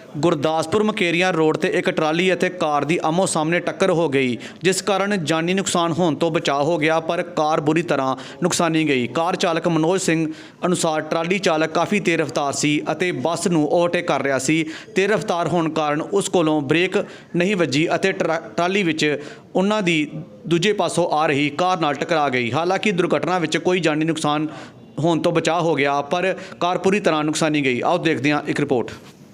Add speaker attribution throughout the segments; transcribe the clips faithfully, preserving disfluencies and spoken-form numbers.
Speaker 1: Gurdaspur ਮਕੇਰੀਆਂ road ਤੇ ਇੱਕ trolley ਅਤੇ ਕਾਰ ਦੀ ਆਮੋ ਸਾਹਮਣੇ ਟੱਕਰ ਹੋ ਗਈ, ਜਿਸ ਕਾਰਨ ਜਾਨੀ ਨੁਕਸਾਨ ਹੋਣ ਤੋਂ ਬਚਾਅ ਹੋ ਗਿਆ, ਪਰ ਕਾਰ ਬੁਰੀ ਤਰ੍ਹਾਂ ਨੁਕਸਾਨੀ ਗਈ। ਕਾਰ ਚਾਲਕ ਮਨੋਜ ਸਿੰਘ ਅਨੁਸਾਰ ਟਰਾਲੀ ਚਾਲਕ ਕਾਫੀ ਤੇਜ਼ ਰਫ਼ਤਾਰ ਸੀ ਅਤੇ ਬੱਸ ਨੂੰ ਓਵਰਟੇਕ ਕਰ ਰਿਹਾ ਸੀ। ਤੇਜ਼ ਰਫ਼ਤਾਰ ਹੋਣ ਕਾਰਨ ਉਸ ਕੋਲੋਂ ਬ੍ਰੇਕ ਨਹੀਂ ਵੱਜੀ ਅਤੇ ਟਰਾਲੀ ਵਿੱਚ ਉਹਨਾਂ ਦੀ ਦੂਜੇ ਪਾਸੋਂ ਆ ਰਹੀ ਕਾਰ ਨਾਲ ਟਕਰਾ ਗਈ। ਹਾਲਾਂਕਿ ਦੁਰਘਟਨਾ ਵਿੱਚ ਕੋਈ ਜਾਨੀ ਨੁਕਸਾਨ ਹੋਣ ਤੋਂ ਬਚਾਅ ਹੋ ਗਿਆ, ਪਰ ਕਾਰ ਪੂਰੀ ਤਰ੍ਹਾਂ ਨੁਕਸਾਨੀ ਗਈ। ਆਓ ਦੇਖਦੇ ਹਾਂ ਇੱਕ ਰਿਪੋਰਟ।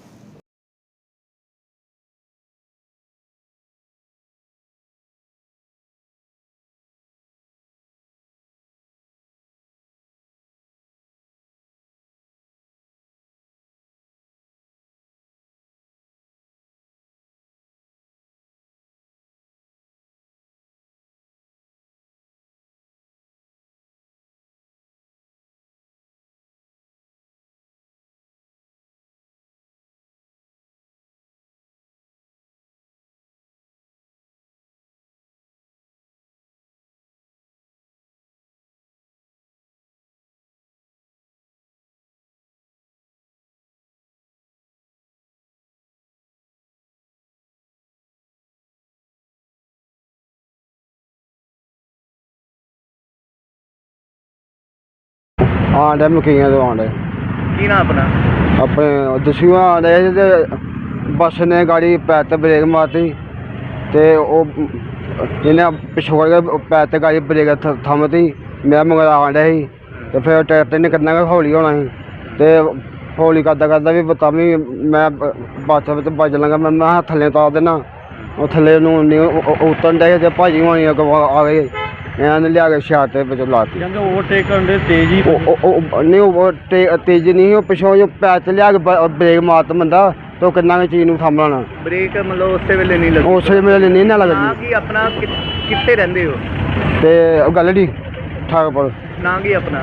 Speaker 2: हाँ डे मकीया तो आंडे
Speaker 3: की ना अपना
Speaker 2: अपने दस्यू आंडे ते बस ने गाड़ी पैर ते ब्रेक मारती ते जिन्हें पिछोड़ के पैर ते गाड़ी ब्रेक थमती। मैं मगर आंडे ही ते फिर ट्रैक्टर ने करना गै हौली होना ही ते हौली करदा करदा भी तां भी मैं बस बज लगा। मैं थल्ले उतार देना, थल्ले उतरन डे ते भाजी होनी आ गई, इन्होंने लिया के शैड ते लाती।
Speaker 3: ओवरटेक करने तेज ही
Speaker 2: नहीं वो तेज नहीं, वो पिछों जो पैर से लिया के ब्रेक मारता बंदा तो कितना भी चीज़ थम लाना।
Speaker 3: ब्रेक मतलब उस वेले नहीं लगी,
Speaker 2: उस वेले नहीं ना लगती।
Speaker 3: कि अपना कितने रहंदे हो
Speaker 2: ते गलड़ी ठाकपुर
Speaker 3: ना की अपना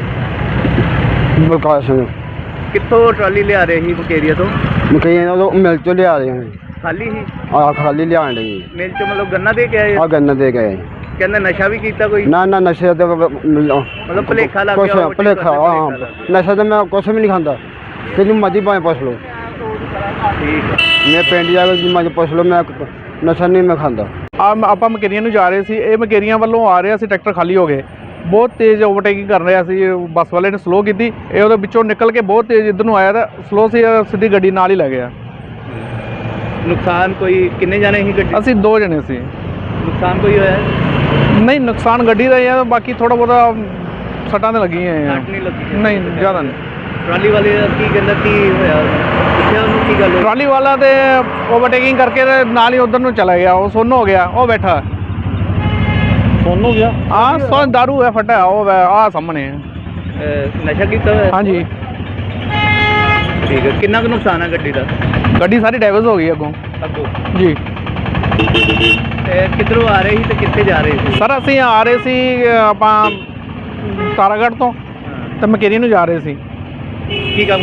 Speaker 2: बलकार सिंह
Speaker 3: कितों ट्राली लिया रहे ही मकेरिया तो
Speaker 2: मकैया तो मिल चो लिया रहे हैं।
Speaker 3: खाली ही
Speaker 2: हाँ खाली लिया रही
Speaker 3: मिल चो मतलब गन्ना दे के आए?
Speaker 2: हाँ गन्ना दे गए।
Speaker 3: कहते नशा भी किया कोई?
Speaker 2: ना ना नशे तो
Speaker 3: मतलब भुलेखा लग
Speaker 2: कुछ
Speaker 3: गया?
Speaker 2: भुलेखा हाँ, नशा तो मैं कुछ भी नहीं खाता, कि मर्जी भावें पुछ लो।
Speaker 3: ठीक
Speaker 2: मैं पिंड जाके मर्जी पुछ लो, मैं नशा नहीं मैं खाता।
Speaker 4: ਆਪਾਂ ਮਕੇਰੀਆਂ ਨੂੰ ਜਾ ਰਹੇ ਸੀ, ਇਹ ਮਕੇਰੀਆਂ ਵੱਲੋਂ ਆ ਰਿਹਾ ਸੀ, ਟਰੈਕਟਰ ਖਾਲੀ ਹੋ ਗਏ, ਬਹੁਤ ਤੇਜ਼ ਓਵਰਟੇਕਿੰਗ ਕਰ ਰਿਹਾ ਸੀ। ਬੱਸ ਵਾਲੇ ਨੇ ਸਲੋ ਕੀਤੀ, ਇਹ ਉਹਦੇ ਵਿੱਚੋਂ ਨਿਕਲ ਕੇ ਬਹੁਤ ਤੇਜ਼ ਇੱਧਰ ਨੂੰ ਆਇਆ ਤਾਂ ਸਲੋ ਸੀ, ਸਿੱਧੀ ਗੱਡੀ ਨਾਲ ਹੀ ਲੱਗ ਗਿਆ।
Speaker 3: नुकसान कोई किन्ने जाने ही गड्डी?
Speaker 4: ਅਸੀਂ ਦੋ ਜਣੇ ਸੀ।
Speaker 3: नुकसान कोई होया?
Speaker 4: ਨਹੀਂ ਨੁਕਸਾਨ ਗੱਡੀ ਦਾ ਹੀ ਆ, ਬਾਕੀ ਥੋੜਾ ਬਹੁਤਾ ਸੱਟਾਂ ਤੇ ਲੱਗੀਆਂ ਆ।
Speaker 3: सट नहीं लगी?
Speaker 4: ਨਹੀਂ ਜ਼ਿਆਦਾ ਨਹੀਂ।
Speaker 3: ट्राली वाले का की कहंदा की होया? पुछया ਉਹਨੂੰ ਕੀ ਗੱਲ ਹੋਈ?
Speaker 4: ਟਰਾਲੀ ਵਾਲਾ ਤੇ ਓਵਰਟੇਕਿੰਗ ਕਰਕੇ ਤੇ ਨਾਲ ਹੀ ਉਧਰ ਨੂੰ ਚਲਾ ਗਿਆ, ਉਹ ਸੁੰਨ ਹੋ ਗਿਆ, ਉਹ ਬੈਠਾ
Speaker 3: ਸੁੰਨ ਹੋ ਗਿਆ।
Speaker 4: ਹਾਂ ਸੁੰਨ ਦਾਰੂ ਹੈ ਫਟਿਆ, ਉਹ ਆ ਸਾਹਮਣੇ
Speaker 3: ਨਸ਼ਾ ਕੀਤਾ ਹੋਇਆ?
Speaker 4: ਹਾਂਜੀ।
Speaker 3: ਠੀਕ ਹੈ, ਕਿੰਨਾ ਕੁ ਨੁਕਸਾਨ ਹੈ ਗੱਡੀ ਦਾ?
Speaker 4: ਗੱਡੀ ਸਾਰੀ ਡੈਮੇਜ ਹੋ ਗਈ ਅੱਗੋਂ
Speaker 3: ਅੱਗੋਂ
Speaker 4: ਜੀ।
Speaker 3: ਕਿੱਧਰੋਂ ਆ ਰਹੇ ਸੀ ਤੇ ਕਿੱਥੇ ਜਾ ਰਹੇ ਸੀ?
Speaker 4: ਸਰ ਅਸੀਂ ਆ ਰਹੇ ਸੀ ਆਪਾਂ ਤਾਰਾਗੜ੍ਹ ਤੋਂ ਤੇ ਮਕੇਰੀ ਨੂੰ ਜਾ ਰਹੇ ਸੀ।
Speaker 3: ਕੀ ਕੰਮ